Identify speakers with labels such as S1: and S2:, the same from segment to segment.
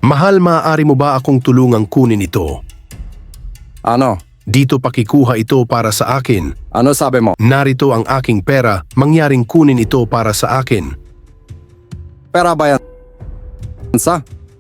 S1: Mahal, maaari mo ba akong tulungang kunin ito?
S2: Ano?
S1: Dito pakikuha ito para sa akin.
S2: Ano sabi mo?
S1: Narito ang aking pera, mangyaring kunin ito para sa akin.
S2: Pera ba yan? Sa?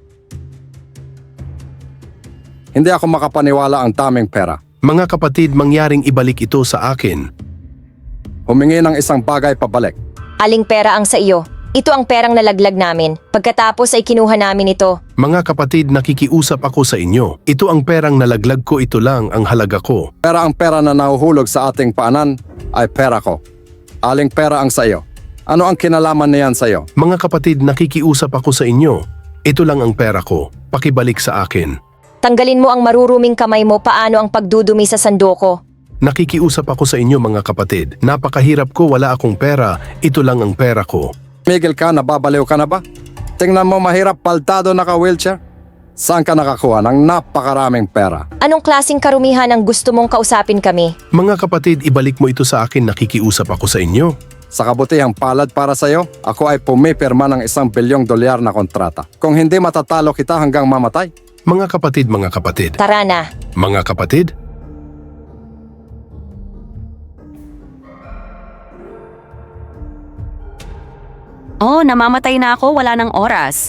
S2: Hindi ako makapaniwala ang daming pera.
S1: Mga kapatid, mangyaring ibalik ito sa akin.
S2: Humingi ng isang bagay pabalik.
S3: Aling pera ang sa iyo? Ito ang perang nalaglag namin. Pagkatapos ay kinuha namin ito.
S1: Mga kapatid, nakikiusap ako sa inyo. Ito ang perang nalaglag ko, ito lang ang halaga ko.
S2: Pero ang pera na nahuhulog sa ating paanan ay pera ko. Aling pera ang sa iyo? Ano ang kinalaman niyan sa iyo?
S1: Mga kapatid, nakikiusap ako sa inyo. Ito lang ang pera ko. Pakibalik sa akin.
S3: Tanggalin mo ang maruruming kamay mo, paano ang pagdudumi sa sandoko?
S1: Nakikiusap ako sa inyo, mga kapatid. Napakahirap ko, wala akong pera. Ito lang ang pera ko.
S2: Miguel ka, nababaliw ka na ba? Tingnan mo, mahirap, paltado naka-wheelchair. Saan ka nakakuha ng napakaraming pera?
S3: Anong klaseng karumihan ang gusto mong kausapin kami?
S1: Mga kapatid, ibalik mo ito sa akin, nakikiusap ako sa inyo.
S2: Sa kabutihang palad para sa iyo, ako ay pumipirma ng $1 bilyong na kontrata. Kung hindi matatalo kita hanggang mamatay.
S1: Mga kapatid.
S3: Tara na.
S1: Mga kapatid?
S4: Oh, namamatay na ako, wala ng oras.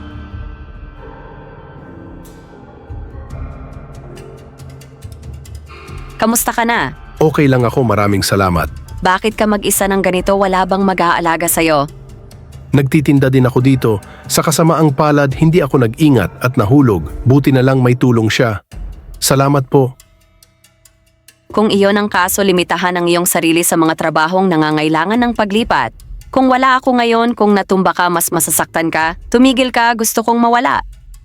S4: Kamusta ka na?
S1: Okay lang ako, maraming salamat.
S4: Bakit ka mag-isa ng ganito, wala bang mag-aalaga sa'yo?
S1: Nagtitinda din ako dito. Sa kasamaang palad, hindi ako nag-ingat at nahulog. Buti na lang may tulong siya. Salamat po.
S4: Kung iyon ang kaso, limitahan ang iyong sarili sa mga trabahong nangangailangan ng paglipat. Kung wala ako ngayon, kung natumba ka, mas masasaktan ka, tumigil ka, gusto kong mawala.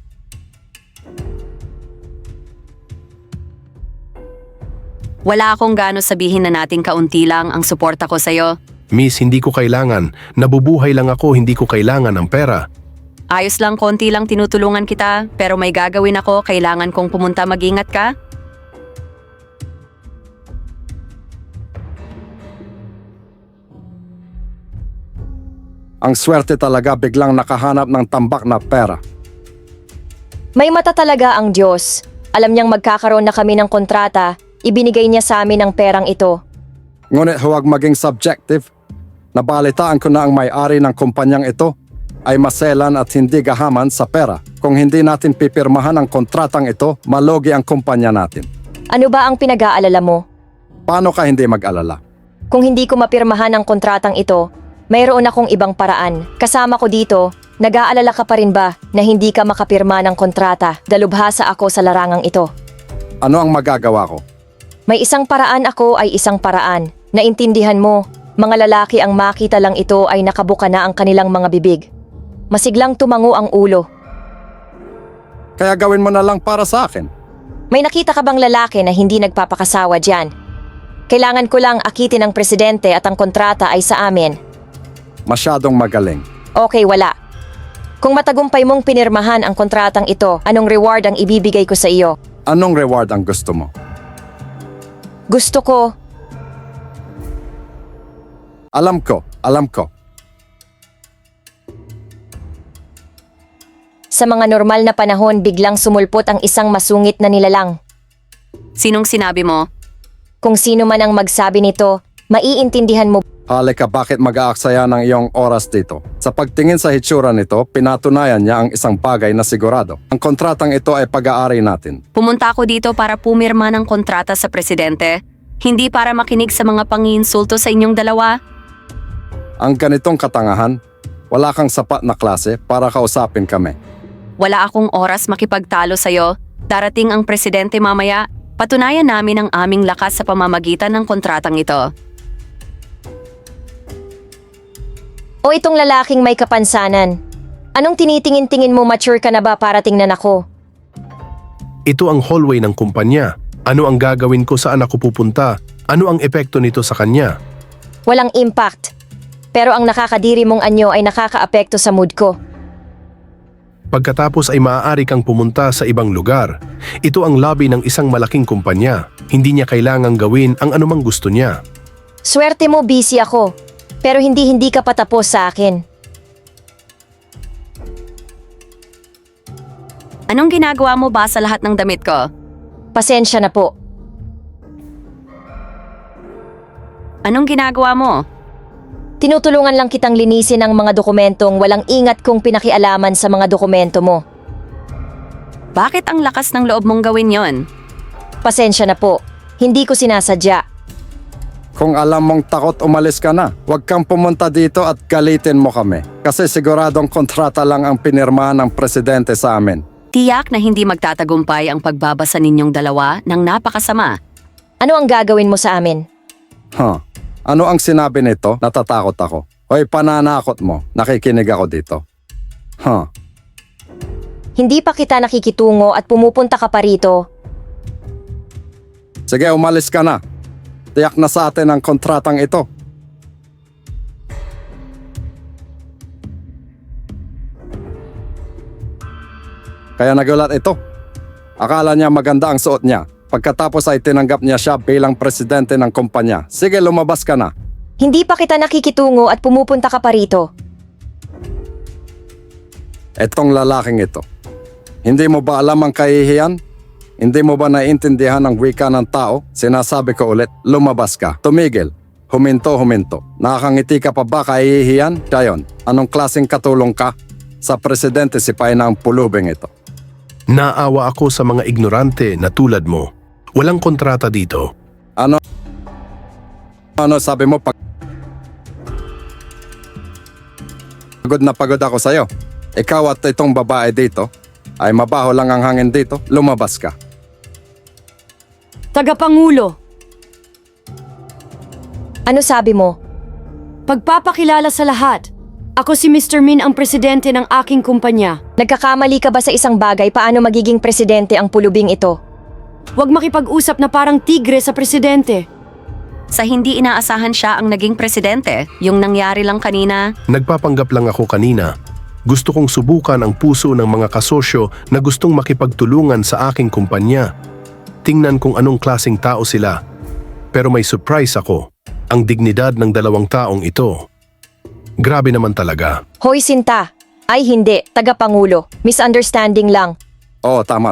S4: Wala akong gaano sabihin na nating kaunti lang ang suporta ko sa'yo.
S1: Miss, hindi ko kailangan. Nabubuhay lang ako, hindi ko kailangan ng pera.
S4: Ayos lang, konti lang tinutulungan kita, pero may gagawin ako, kailangan kong pumunta, mag-ingat ka.
S2: Ang swerte talaga biglang nakahanap ng tambak na pera.
S3: May mata talaga ang Diyos. Alam niyang magkakaroon na kami ng kontrata, ibinigay niya sa amin ang perang ito.
S2: Ngunit huwag maging subjective. Nabalitaan ko na ang may-ari ng kumpanyang ito ay maselan at hindi gahaman sa pera. Kung hindi natin pipirmahan ang kontratang ito, malugi ang kumpanya natin.
S3: Ano ba ang pinag-aalala mo?
S2: Paano ka hindi mag-alala?
S3: Kung hindi ko mapirmahan ang kontratang ito, mayroon akong ibang paraan. Kasama ko dito, nag-aalala ka pa rin ba na hindi ka makapirma ng kontrata? Dalubhasa ako sa larangang ito.
S2: Ano ang magagawa ko?
S3: May isang paraan ako ay isang paraan. Naintindihan mo, mga lalaki ang makita lang ito ay nakabuka na ang kanilang mga bibig. Masiglang tumango ang ulo.
S2: Kaya gawin mo na lang para sa akin.
S3: May nakita ka bang lalaki na hindi nagpapakasawa dyan? Kailangan ko lang akitin ang presidente at ang kontrata ay sa amin.
S2: Masyadong magaling.
S3: Okay, wala. Kung matagumpay mong pinirmahan ang kontratang ito, anong reward ang ibibigay ko sa iyo?
S2: Anong reward ang gusto mo?
S3: Gusto ko,
S2: Alam ko.
S3: sa mga normal na panahon biglang sumulpot ang isang masungit na nilalang.
S4: Sinong sinabi mo?
S3: Kung sino man ang magsabi nito, maiintindihan mo.
S2: Halika, bakit mag-aaksaya ng iyong oras dito? Sa pagtingin sa hitsura nito, pinatunayan niya ang isang bagay na sigurado. Ang kontratang ito ay pag-aari natin.
S4: Pumunta ako dito para pumirma ng kontrata sa presidente, hindi para makinig sa mga pangiinsulto sa inyong dalawa.
S2: Ang ganitong katangahan, wala kang sapat na klase para kausapin kami.
S4: Wala akong oras makipagtalo sa'yo. Darating ang presidente mamaya. Patunayan namin ang aming lakas sa pamamagitan ng kontratang ito.
S3: O itong lalaking may kapansanan. Anong tinitingin-tingin mo, mature ka na ba para tingnan ako?
S1: Ito ang hallway ng kumpanya. Ano ang gagawin ko, saan ako pupunta? Ano ang epekto nito sa kanya?
S3: Walang impact. Pero ang nakakadiri mong anyo ay nakakaapekto sa mood ko.
S1: Pagkatapos ay maaari kang pumunta sa ibang lugar. Ito ang lobby ng isang malaking kumpanya. Hindi niya kailangang gawin ang anumang gusto niya.
S3: Swerte mo, busy ako. Pero hindi ka patapos sa akin.
S4: Anong ginagawa mo ba sa lahat ng damit ko?
S3: Pasensya na po.
S4: Anong ginagawa mo?
S3: Tinutulungan lang kitang linisin ang mga dokumentong walang ingat kong pinakialaman sa mga dokumento mo.
S4: Bakit ang lakas ng loob mong gawin yon?
S3: Pasensya na po. Hindi ko sinasadya.
S2: Kung alam mong takot, umalis ka na. Huwag kang pumunta dito at galitin mo kami. Kasi siguradong kontrata lang ang pinirmahan ng presidente sa amin.
S4: Tiyak na hindi magtatagumpay ang pagbabasa ninyong dalawa ng napakasama.
S3: Ano ang gagawin mo sa amin?
S2: Ano ang sinabi nito? Natatakot ako. Hoy, pananakot mo. Nakikinig ako dito.
S3: Hindi pa kita nakikitungo at pumupunta ka pa rito.
S2: Sige, umalis ka na. Tiyak na sa atin ang kontratang ito. Kaya nagulat ito. Akala niya maganda ang suot niya. Pagkatapos ay tinanggap niya siya bilang presidente ng kumpanya. Sige, lumabas ka na.
S3: Hindi pa kita nakikitungo at pumupunta ka pa rito.
S2: Etong lalaking ito. Hindi mo ba alam ang kahihiyan? Hindi mo ba naiintindihan ang wika ng tao? Sinasabi ko ulit, lumabas ka. Tumigil. Huminto. Nakakangiti ka pa ba kahihiyan? Siya yun. Anong klaseng katulong ka? Sa presidente sipay na ang pulubing ito.
S1: Naawa ako sa mga ignorante na tulad mo. Walang kontrata dito.
S2: Ano sabi mo? Pagod na pagod ako sa'yo. Ikaw at itong babae dito ay mabaho lang ang hangin dito. Lumabas ka.
S5: Tagapangulo,
S3: Ano sabi mo?
S5: pagpapakilala sa lahat. Ako si Mr. Min ang presidente ng aking kumpanya.
S3: Nagkakamali ka ba sa isang bagay paano magiging presidente ang pulubing ito?
S5: Huwag makipag-usap na parang tigre sa presidente.
S4: Sa hindi inaasahan siya ang naging presidente, yung nangyari lang kanina.
S1: Nagpapanggap lang ako kanina. Gusto kong subukan ang puso ng mga kasosyo na gustong makipagtulungan sa aking kumpanya. Tingnan kung anong klaseng tao sila. Pero may surprise ako. Ang dignidad ng dalawang taong ito. Grabe naman talaga.
S3: Hoy Sinta! Ay hindi, tagapangulo. Misunderstanding lang.
S2: Oo, tama.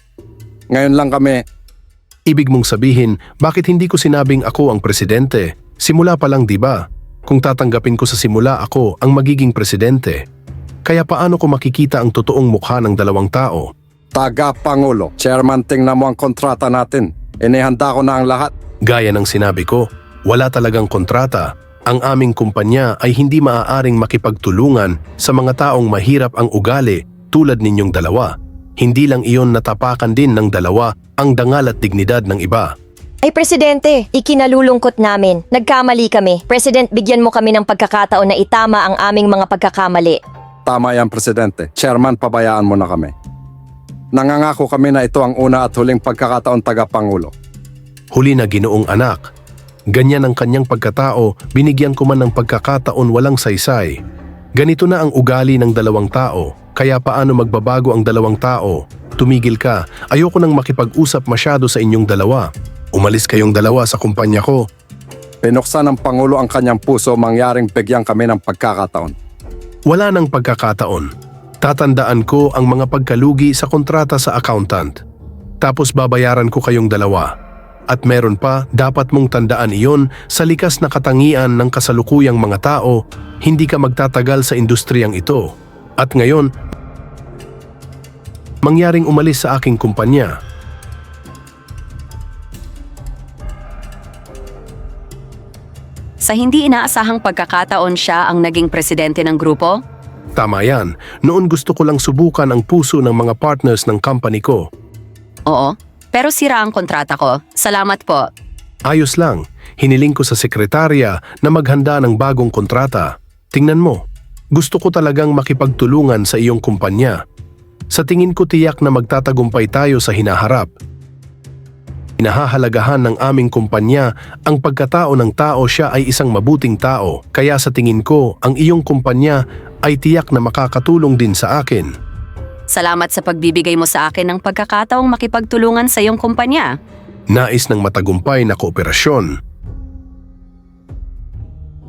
S2: Ngayon lang kami.
S1: Ibig mong sabihin, bakit hindi ko sinabing ako ang presidente? Simula pa lang, di ba? Kung tatanggapin ko sa simula ako ang magiging presidente. Kaya paano ko makikita ang totoong mukha ng dalawang tao?
S2: Tagapangulo. Chairman, tingnan mo ang kontrata natin. Inihanda ko na ang lahat.
S1: Gaya ng sinabi ko, wala talagang kontrata. Ang aming kumpanya ay hindi maaaring makipagtulungan sa mga taong mahirap ang ugali tulad ninyong dalawa. Hindi lang iyon natapakan din ng dalawa ang dangal at dignidad ng iba.
S3: Ay presidente, ikinalulungkot namin. Nagkamali kami. President, bigyan mo kami ng pagkakataon na itama ang aming mga pagkakamali.
S2: Tama yan, presidente. Chairman, pabayaan mo na kami. Nangangako kami na ito ang una at huling pagkakataon, tagapangulo.
S1: Huli na Ginoong anak. Ganyan ang kanyang pagkatao, binigyan ko man ng pagkakataon walang saysay. Ganito na ang ugali ng dalawang tao, kaya paano magbabago ang dalawang tao? Tumigil ka, ayoko nang makipag-usap masyado sa inyong dalawa. Umalis kayong dalawa sa kumpanya ko.
S2: Pinuksan ng Pangulo ang kanyang puso, mangyaring bigyan kami ng pagkakataon.
S1: Wala nang pagkakataon. Tatandaan ko ang mga pagkalugi sa kontrata sa accountant. Tapos babayaran ko kayong dalawa. At meron pa, dapat mong tandaan iyon sa likas na katangian ng kasalukuyang mga tao, hindi ka magtatagal sa industriyang ito. At ngayon, mangyaring umalis sa aking kumpanya.
S4: Sa hindi inaasahang pagkakataon siya ang naging presidente ng grupo?
S1: Tama yan, noon gusto ko lang subukan ang puso ng mga partners ng company ko.
S4: Oo, pero sira ang kontrata ko. Salamat po.
S1: Ayos lang, hiniling ko sa sekretarya na maghanda ng bagong kontrata. Tingnan mo, gusto ko talagang makipagtulungan sa iyong kumpanya. Sa tingin ko tiyak na magtatagumpay tayo sa hinaharap. Inahahalagahan ng aming kumpanya ang pagkatao ng tao, siya ay isang mabuting tao. Kaya sa tingin ko, ang iyong kumpanya ay tiyak na makakatulong din sa akin.
S4: Salamat sa pagbibigay mo sa akin ng pagkakataong makipagtulungan sa iyong kumpanya.
S1: Nais ng matagumpay na kooperasyon.